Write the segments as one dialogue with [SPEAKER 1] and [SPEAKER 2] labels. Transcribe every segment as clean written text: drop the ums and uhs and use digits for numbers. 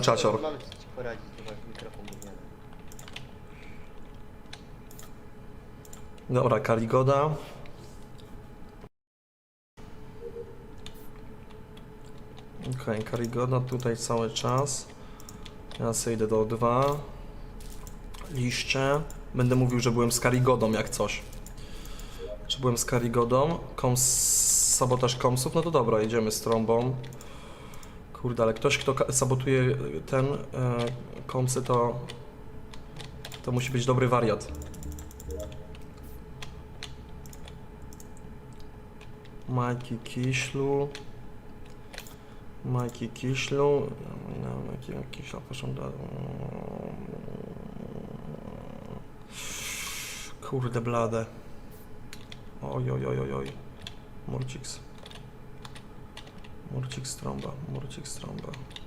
[SPEAKER 1] Czacior.
[SPEAKER 2] Mamy ci poradzić, to masz mikrofon gówniany.
[SPEAKER 1] Dobra, Karigoda. Okej, Karigoda tutaj cały czas. Ja sobie idę do O2. Liście. Będę mówił, że byłem z Karigodą jak coś. Czy byłem z Karigodą? Sabotaż komsów? No to dobra, jedziemy z trąbą. Kurde, ale ktoś, kto sabotuje ten komsy, to musi być dobry wariat. Majki Kiślu. Majki Kiślu. Kiśla, proszę. Kurde blade. Oj, oj, oj, oj, oj. Murciks. Murcik strąba, Murcik strąba.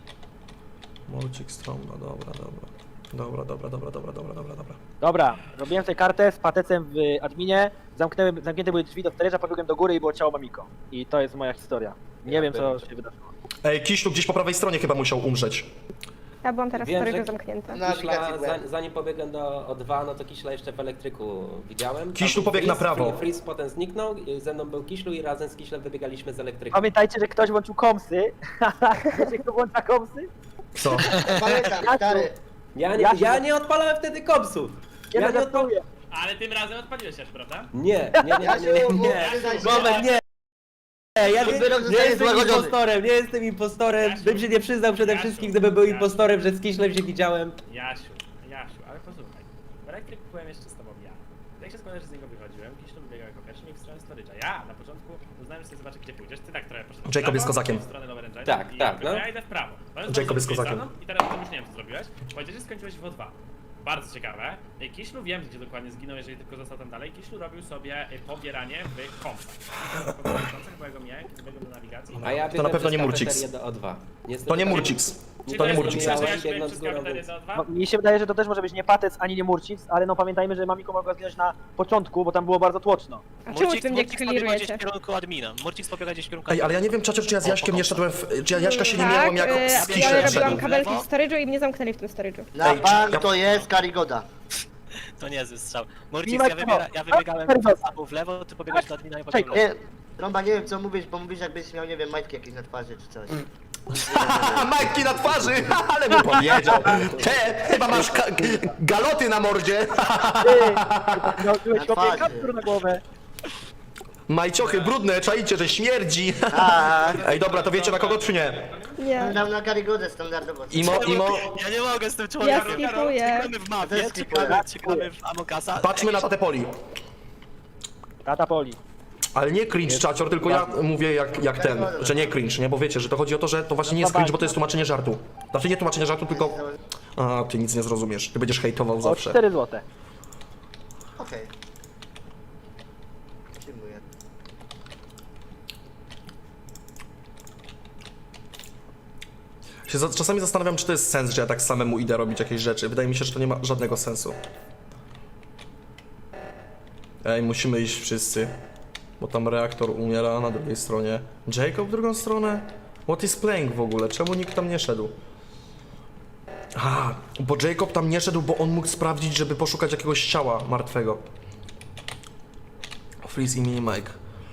[SPEAKER 1] Murcik strąba, dobra, dobra. Dobra, dobra, dobra, dobra, dobra, dobra, dobra.
[SPEAKER 3] Dobra, robiłem sobie kartę z patecem w adminie, zamknięte były drzwi do storage'a, pobiegłem do góry i było ciało Mamiko. I to jest moja historia. Nie wiem co się wydarzyło.
[SPEAKER 1] Ej, Kiślu gdzieś po prawej stronie chyba musiał umrzeć.
[SPEAKER 4] Ja byłam teraz w
[SPEAKER 5] Wiem,
[SPEAKER 4] storage'u
[SPEAKER 5] że-
[SPEAKER 4] zamknięta.
[SPEAKER 2] Na
[SPEAKER 5] Kiśla,
[SPEAKER 2] aplikacji byłem.
[SPEAKER 5] zanim pobiegłem do O2, no to Kiśla jeszcze w elektryku widziałem.
[SPEAKER 1] Kiślu
[SPEAKER 5] Tam był
[SPEAKER 1] pobiegł na
[SPEAKER 5] Freeze,
[SPEAKER 1] prawo.
[SPEAKER 5] Freeze potem zniknął, ze mną był Kiślu i razem z Kiślem wybiegaliśmy z elektryku.
[SPEAKER 3] Pamiętajcie, że ktoś włączył komsy. Wiecie kto włącza komsy?
[SPEAKER 1] Co?
[SPEAKER 2] Pamiętam, stary.
[SPEAKER 5] Ja nie odpalałem wtedy kopsów!
[SPEAKER 3] Ja
[SPEAKER 5] Ja
[SPEAKER 3] to
[SPEAKER 5] nie
[SPEAKER 3] żartuję.
[SPEAKER 6] Ale tym razem odpaliłeś też, prawda?
[SPEAKER 5] Nie.
[SPEAKER 2] Przyznaj się.
[SPEAKER 5] Moment, nie! Ja nie
[SPEAKER 2] Wyrok
[SPEAKER 5] jestem
[SPEAKER 2] zostaje złagodzony.
[SPEAKER 5] impostorem, nie jestem impostorem! Bym się nie przyznał przede
[SPEAKER 6] Jasiu,
[SPEAKER 5] wszystkim, gdybym był
[SPEAKER 6] Jasiu.
[SPEAKER 5] impostorem, że z Kiślem się widziałem.
[SPEAKER 6] Jasiu, ale posłuchaj. W elektryku byłem jeszcze z tobą ja. Jak się składa, że z niego wychodziłem, Kiślu wybiegał jako pierwszy i w stronę storage'a. Ja na początku uznałem, że sobie zobaczę gdzie pójdziesz. Ty tak trochę poszedłeś w
[SPEAKER 1] Jacob jest
[SPEAKER 6] prawo,
[SPEAKER 1] kozakiem.
[SPEAKER 6] w stronę Lower Engine.
[SPEAKER 5] Tak,
[SPEAKER 6] i
[SPEAKER 5] tak, no.
[SPEAKER 6] Ja idę w prawo.
[SPEAKER 1] Jacob jest kozakiem.
[SPEAKER 6] I teraz to już nie wiem co zrobiłeś. Powiedziałeś, że skończyłeś w O2. Bardzo ciekawe. Kiślu wiem, gdzie dokładnie zginął, jeżeli tylko został tam dalej. Kiślu robił sobie pobieranie w kompach. Bo ja go miałem, kiedy biegłem do nawigacji.
[SPEAKER 5] A ja
[SPEAKER 1] To na pewno nie
[SPEAKER 5] biegłem
[SPEAKER 1] Murciks.
[SPEAKER 5] przez kafeterię do O2. Niestety
[SPEAKER 1] To nie
[SPEAKER 5] tam-
[SPEAKER 1] Murciks.
[SPEAKER 6] Czy
[SPEAKER 1] To nie
[SPEAKER 6] jest
[SPEAKER 1] Murciks.
[SPEAKER 6] to, że
[SPEAKER 5] Ja
[SPEAKER 6] ja biegłem
[SPEAKER 5] biegnąc
[SPEAKER 6] przez
[SPEAKER 5] górą,
[SPEAKER 6] kafeterię
[SPEAKER 5] więc-
[SPEAKER 6] do O2?
[SPEAKER 3] No, mi się wydaje, że to też może być nie patec ani nie Murcic, ale no pamiętajmy, że Mamiko mogła zginąć na początku, bo tam było bardzo tłoczno.
[SPEAKER 4] A czemu wy mnie
[SPEAKER 7] Murcix pobiega gdzieś
[SPEAKER 4] clearujecie?
[SPEAKER 7] w kierunku admina. Murcix pobiega gdzieś w kierunku
[SPEAKER 1] Ej, ale ja nie wiem, Czacior, czy ja z Jaśkiem nie szedłem czy ja Jaśka się nie miałem jako z
[SPEAKER 4] ja
[SPEAKER 1] Kiślem
[SPEAKER 4] robiłam
[SPEAKER 1] szedłem.
[SPEAKER 4] kabelki w storage'u i mnie zamknęli w tym storage'u.
[SPEAKER 2] Na
[SPEAKER 1] Ej,
[SPEAKER 2] bank
[SPEAKER 1] ja-
[SPEAKER 2] to jest Karigoda.
[SPEAKER 7] To niezły strzał. Murcix,
[SPEAKER 3] Nie ma
[SPEAKER 7] ja wybiegałem albo w lewo, ty pobiegłeś do admina i potem w lewo.
[SPEAKER 2] Nie, Trąba, nie wiem co mówisz, bo mówisz jakbyś miał, nie wiem, majtki jakieś na twarzy czy coś.
[SPEAKER 1] Haha, majtki na twarzy, ale mu powiedział. Chyba masz galoty na mordzie.
[SPEAKER 3] Nałożyłeś
[SPEAKER 2] Na
[SPEAKER 3] kopie
[SPEAKER 2] twarzy.
[SPEAKER 3] kaptur na głowę.
[SPEAKER 1] Majciochy brudne, czaicie, że śmierdzi.
[SPEAKER 2] Tak.
[SPEAKER 1] Ej, dobra, to wiecie na kogo, czy nie?
[SPEAKER 4] Nie.
[SPEAKER 2] Dam na Karigodę standardowo.
[SPEAKER 1] Imo,
[SPEAKER 7] Ja nie mogę z tym
[SPEAKER 4] Ja
[SPEAKER 7] człowiekiem.
[SPEAKER 4] skipuję.
[SPEAKER 7] Czekamy w mapie, czekamy w Amokasa.
[SPEAKER 1] patrzmy na tatę Poli.
[SPEAKER 3] Tata Poli.
[SPEAKER 1] Ale nie cringe, Czacior, tylko ja mówię jak ten, że nie cringe, nie? Bo wiecie, że to chodzi o to, że to właśnie nie jest cringe, bo to jest tłumaczenie żartu. Znaczy nie tłumaczenie żartu, tylko... A, ty nic nie zrozumiesz, ty będziesz hejtował
[SPEAKER 3] O
[SPEAKER 1] zawsze.
[SPEAKER 3] 4 złote.
[SPEAKER 2] Okej. Przyjmuję.
[SPEAKER 1] Czasami zastanawiam, czy to jest sens, że ja tak samemu idę robić jakieś rzeczy. Wydaje mi się, że to nie ma żadnego sensu. Ej, musimy iść wszyscy. Bo tam reaktor umiera na drugiej stronie. Jacob w drugą stronę? What is playing w ogóle? Czemu nikt tam nie szedł? A, bo Jacob tam nie szedł, bo on mógł sprawdzić, żeby poszukać jakiegoś ciała martwego. Freeze i mini Mike.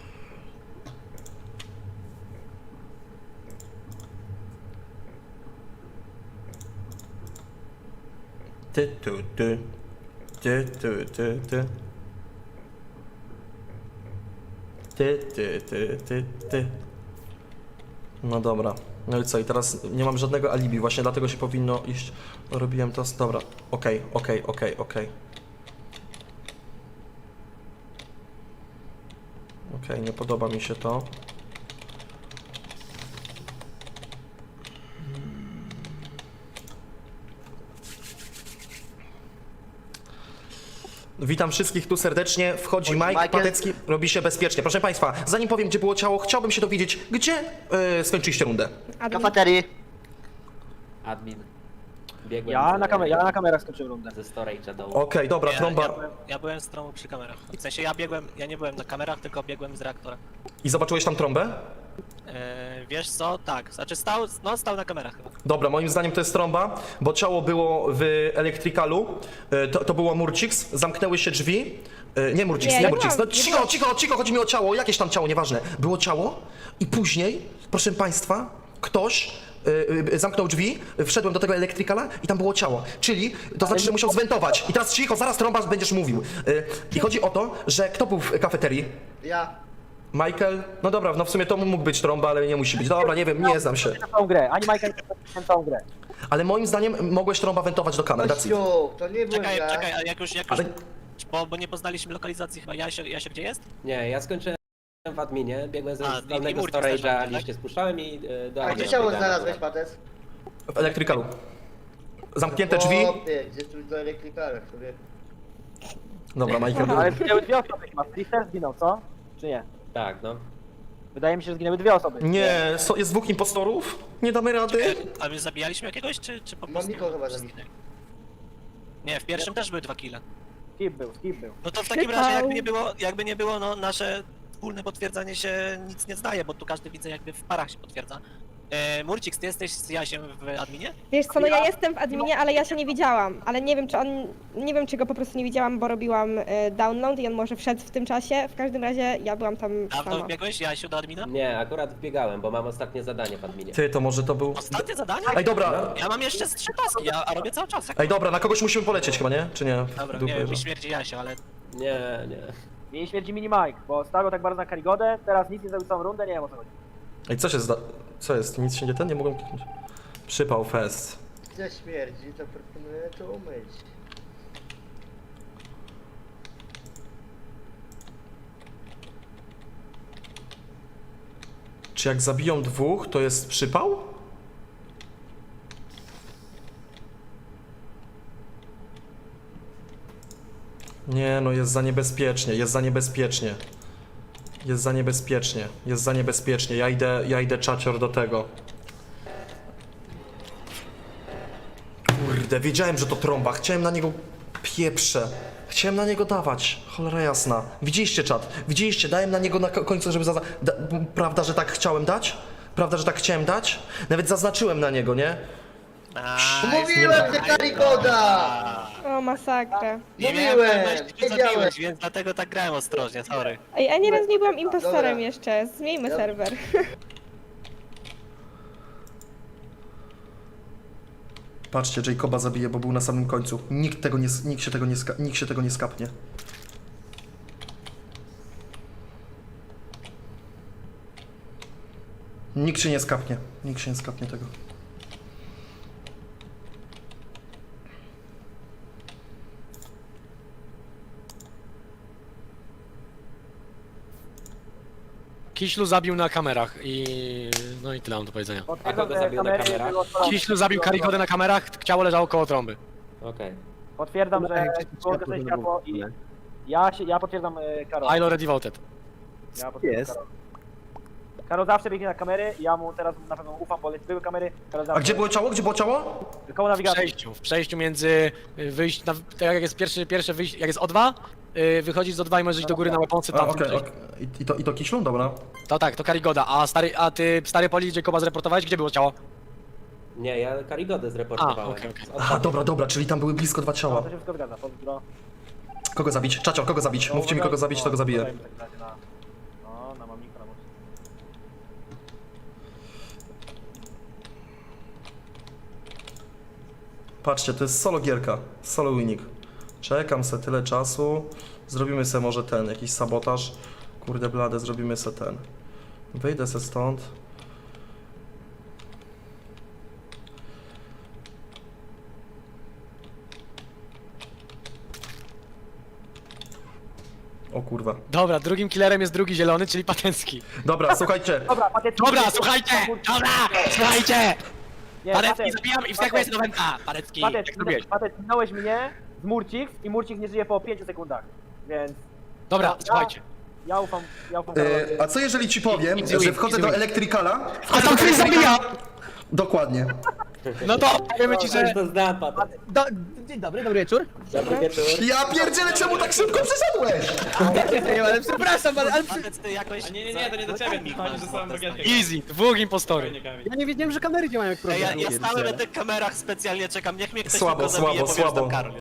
[SPEAKER 1] Ty, ty, ty. Ty, ty, ty, ty. Ty, ty, ty, ty, ty. No dobra. No i co? I teraz nie mam żadnego alibi, właśnie dlatego się powinno iść. Robiłem to. Dobra. Okej. Okej, nie podoba mi się to. Witam wszystkich tu serdecznie. Wchodzi Mike
[SPEAKER 2] Michael.
[SPEAKER 1] Patecki, robi się bezpiecznie. Proszę Państwa, zanim powiem, gdzie było ciało, chciałbym się dowiedzieć, gdzie skończyliście rundę.
[SPEAKER 4] Admin.
[SPEAKER 2] Kafeterii.
[SPEAKER 5] Admin. Biegłem
[SPEAKER 3] Ja na kamerach skończyłem rundę.
[SPEAKER 5] ze storage'a do...
[SPEAKER 1] Okej, dobra, trąba.
[SPEAKER 7] Ja byłem z trąbą przy kamerach. W sensie ja nie byłem na kamerach, tylko biegłem z reaktora.
[SPEAKER 1] I zobaczyłeś tam trąbę?
[SPEAKER 7] Wiesz co? Tak, znaczy stał na kamerach chyba.
[SPEAKER 1] Dobra, moim zdaniem to jest trąba, bo ciało było w elektrykalu, to było Murcix, zamknęły się drzwi. Nie Murcix,
[SPEAKER 4] Nie,
[SPEAKER 1] nie
[SPEAKER 4] ja
[SPEAKER 1] Murcix, no
[SPEAKER 4] byłam-
[SPEAKER 1] cicho, chodzi mi o ciało, jakieś tam ciało, nieważne. Było ciało i później, proszę państwa, ktoś zamknął drzwi, wszedłem do tego elektrykala i tam było ciało. Czyli to znaczy, że musiał zwentować. I teraz cicho, zaraz trąba będziesz mówił. I chodzi o to, że kto był w kafeterii?
[SPEAKER 2] Ja.
[SPEAKER 1] Michael? No dobra, no w sumie to mógł być trąba, ale nie musi być. Dobra, nie wiem, nie znam się.
[SPEAKER 3] Na całą grę, ani Majka nie na całą grę.
[SPEAKER 1] Ale moim zdaniem mogłeś trąba wentować do kamer. That's it.
[SPEAKER 2] Kościół, to nie byłem
[SPEAKER 7] Czekaj,
[SPEAKER 2] ja.
[SPEAKER 7] czekaj, a jak już
[SPEAKER 1] Ale-
[SPEAKER 7] bo nie poznaliśmy lokalizacji chyba. Jasio gdzie jest?
[SPEAKER 5] Nie, ja skończyłem w adminie, biegłem
[SPEAKER 7] A,
[SPEAKER 5] z
[SPEAKER 7] i
[SPEAKER 5] dolnego
[SPEAKER 7] Murcix też
[SPEAKER 5] storage'a,
[SPEAKER 7] tak?
[SPEAKER 5] liście spuszczałem i do
[SPEAKER 2] A
[SPEAKER 5] admina
[SPEAKER 2] gdzie ciało
[SPEAKER 5] biegałem.
[SPEAKER 2] znalazłeś, Patec?
[SPEAKER 1] W elektrykalu. Zamknięte drzwi.
[SPEAKER 2] Chłopie, gdzie tu do elektrykala, który...
[SPEAKER 1] Dobra, Michael.
[SPEAKER 3] Ale zginęły dwie osoby chyba. Twister zginął, co? Czy nie?
[SPEAKER 5] Tak, no.
[SPEAKER 3] Wydaje mi się, że zginęły dwie osoby.
[SPEAKER 1] Nie, jest dwóch impostorów? Nie damy rady?
[SPEAKER 7] A my zabijaliśmy jakiegoś, czy po prostu?
[SPEAKER 2] Mamiko chyba zabił.
[SPEAKER 7] Nie, w pierwszym też były 2 kille.
[SPEAKER 3] Skip był.
[SPEAKER 7] No to w takim
[SPEAKER 4] Przypał.
[SPEAKER 7] razie jakby nie było, no nasze wspólne potwierdzanie się nic nie zdaje, bo tu każdy widzę jakby w parach się potwierdza. Murcix, ty jesteś z Jasiem w adminie?
[SPEAKER 4] Wiesz co, no ja jestem w adminie, ale ja się nie widziałam. Ale nie wiem, czy on... Nie wiem, czy go po prostu nie widziałam, bo robiłam download i on może wszedł w tym czasie. W każdym razie ja byłam tam
[SPEAKER 7] Dawno
[SPEAKER 4] sama.
[SPEAKER 7] wbiegłeś, Jasiu, do admina?
[SPEAKER 5] Nie, akurat wbiegałem, bo mam ostatnie zadanie w adminie.
[SPEAKER 1] Ty, to może to był...
[SPEAKER 7] Ostatnie zadanie?
[SPEAKER 1] Ej, dobra.
[SPEAKER 7] Ja mam jeszcze z 3 taski, a robię cały czas.
[SPEAKER 1] Ej, dobra, na kogoś musimy polecieć chyba, nie? Czy nie?
[SPEAKER 7] Dobra,
[SPEAKER 1] Dupy,
[SPEAKER 7] nie wiem,
[SPEAKER 1] że-
[SPEAKER 7] mi śmierdzi Jasio, ale
[SPEAKER 5] Nie, nie.
[SPEAKER 3] Jej śmierdzi mini Mike, bo stawiał tak bardzo na Karigodę, teraz nic nie zrobił całą rundę, nie wiem o co chodzi.
[SPEAKER 1] Ej, co się Co jest? Nic się nie ten? Nie mogłem kliknąć. Przypał fest.
[SPEAKER 2] Gdzie śmierdzi, to proponuję to umyć.
[SPEAKER 1] Czy jak zabiją dwóch, to jest przypał? Nie, no jest za niebezpiecznie, jest za niebezpiecznie. Jest za niebezpiecznie, jest za niebezpiecznie. Ja idę czacior do tego. Kurde, wiedziałem, że to trąba. Chciałem na niego pieprze. Chciałem na niego dawać. Cholera jasna. Widzieliście czat? Widzieliście? Dałem na niego na końcu, żeby Prawda, że tak chciałem dać? Prawda, że tak chciałem dać? Nawet zaznaczyłem na niego, nie?
[SPEAKER 2] Mówiłem, że Karigoda!
[SPEAKER 4] O, masakra.
[SPEAKER 7] nie miałem
[SPEAKER 2] Mówiłem,
[SPEAKER 7] pewności, czy
[SPEAKER 2] wiedziałem.
[SPEAKER 7] zabiłeś, więc dlatego tak grałem ostrożnie, sorry.
[SPEAKER 4] Ej, ani raz nie byłam impostorem
[SPEAKER 2] Dobra.
[SPEAKER 4] jeszcze. Zmieńmy
[SPEAKER 2] Dobra.
[SPEAKER 4] serwer.
[SPEAKER 1] Patrzcie, Jacoba zabije, bo był na samym końcu. Nikt się tego nie skapnie. Nikt się nie skapnie. Nikt się nie skapnie tego.
[SPEAKER 8] Kiślu zabił na kamerach i... no i tyle mam do powiedzenia.
[SPEAKER 3] Potwierdzam,
[SPEAKER 5] kogo
[SPEAKER 3] że
[SPEAKER 5] zabił na
[SPEAKER 3] kamery
[SPEAKER 5] kamerach?
[SPEAKER 3] były odpalone.
[SPEAKER 8] Kiślu zabił Karigodę na kamerach, ciało leżało koło trąby.
[SPEAKER 5] Okej.
[SPEAKER 3] Potwierdzam, że było zgaszone światło i... Ja potwierdzam Karol.
[SPEAKER 8] I already voted.
[SPEAKER 3] Ja potwierdzam Karol. Karol zawsze biegnie na kamery i ja mu teraz na pewno ufam, bo były kamery. Karol
[SPEAKER 1] A
[SPEAKER 3] zawsze...
[SPEAKER 1] gdzie było ciało? Gdzie było ciało?
[SPEAKER 3] Koło nawigacji.
[SPEAKER 8] W przejściu między tak jak jest pierwsze wyjście, jak jest O2, wychodzisz z O2 i możesz iść do góry na weaponsy
[SPEAKER 1] A,
[SPEAKER 8] tam.
[SPEAKER 1] okej. I to Kiślu? Dobra.
[SPEAKER 8] To tak, to Karigoda, a ty stary poli Jacoba zreportowałeś, gdzie było ciało?
[SPEAKER 5] Nie, ja Karigodę zreportowałem.
[SPEAKER 8] A, okej.
[SPEAKER 1] Aha, dobra, czyli tam były blisko dwa
[SPEAKER 3] To
[SPEAKER 1] ciała.
[SPEAKER 3] się wszystko zgadza, pozdro.
[SPEAKER 1] Kogo zabić? Czacior, kogo zabić? Mówcie mi kogo zabić, to go zabiję.
[SPEAKER 3] No, na mamika, na mamika.
[SPEAKER 1] Patrzcie, to jest solo gierka, solo winning. Czekam se tyle czasu. Zrobimy se może jakiś sabotaż. Kurde blade, zrobimy se Wyjdę se stąd. O kurwa.
[SPEAKER 8] Dobra, drugim killerem jest drugi zielony, czyli Patencki.
[SPEAKER 1] Dobra, słuchajcie.
[SPEAKER 3] Dobra, Patecki...
[SPEAKER 8] Dobra, słuchajcie! Słuchajcie!
[SPEAKER 3] Nie,
[SPEAKER 8] Parecki zabijam i wskakuję z nowenta! Parecki, jak robiłeś?
[SPEAKER 3] Patec, minąłeś mnie z Murcix i Murcix nie żyje po 5 sekundach, więc
[SPEAKER 8] Dobra, słuchajcie.
[SPEAKER 3] ja ufam Karolowi.
[SPEAKER 1] A co jeżeli ci powiem,
[SPEAKER 8] Easy
[SPEAKER 1] że
[SPEAKER 8] win,
[SPEAKER 1] wchodzę
[SPEAKER 8] easy
[SPEAKER 1] do
[SPEAKER 8] win.
[SPEAKER 1] elektrykala?
[SPEAKER 8] A tam ktoś zabija!
[SPEAKER 1] Dokładnie.
[SPEAKER 8] No to powiemy ci, że...
[SPEAKER 5] To znam, Patec.
[SPEAKER 3] Dzień dobry, dobry wieczór.
[SPEAKER 5] Dobry wieczór.
[SPEAKER 1] Ja pierdzielę, czemu tak szybko przeszedłeś?
[SPEAKER 3] Ale przepraszam, ale
[SPEAKER 7] Patec, ty jakoś...
[SPEAKER 6] A nie, to nie do ciebie,
[SPEAKER 7] Kamil
[SPEAKER 6] chodzi,
[SPEAKER 7] masz
[SPEAKER 6] że sam
[SPEAKER 7] Patec,
[SPEAKER 6] bagietkę.
[SPEAKER 8] Easy, dwóch impostorów.
[SPEAKER 6] Spokojnie, Kamil.
[SPEAKER 3] ja nie wiedziałem, że kamery działają jak
[SPEAKER 7] Ej, ja
[SPEAKER 3] program.
[SPEAKER 7] stałem na tych kamerach specjalnie, czekam, niech mnie ktoś
[SPEAKER 1] Słabo,
[SPEAKER 7] tylko zabije,
[SPEAKER 1] słabo,
[SPEAKER 7] powiem, że
[SPEAKER 1] słabo.
[SPEAKER 7] tam Karol.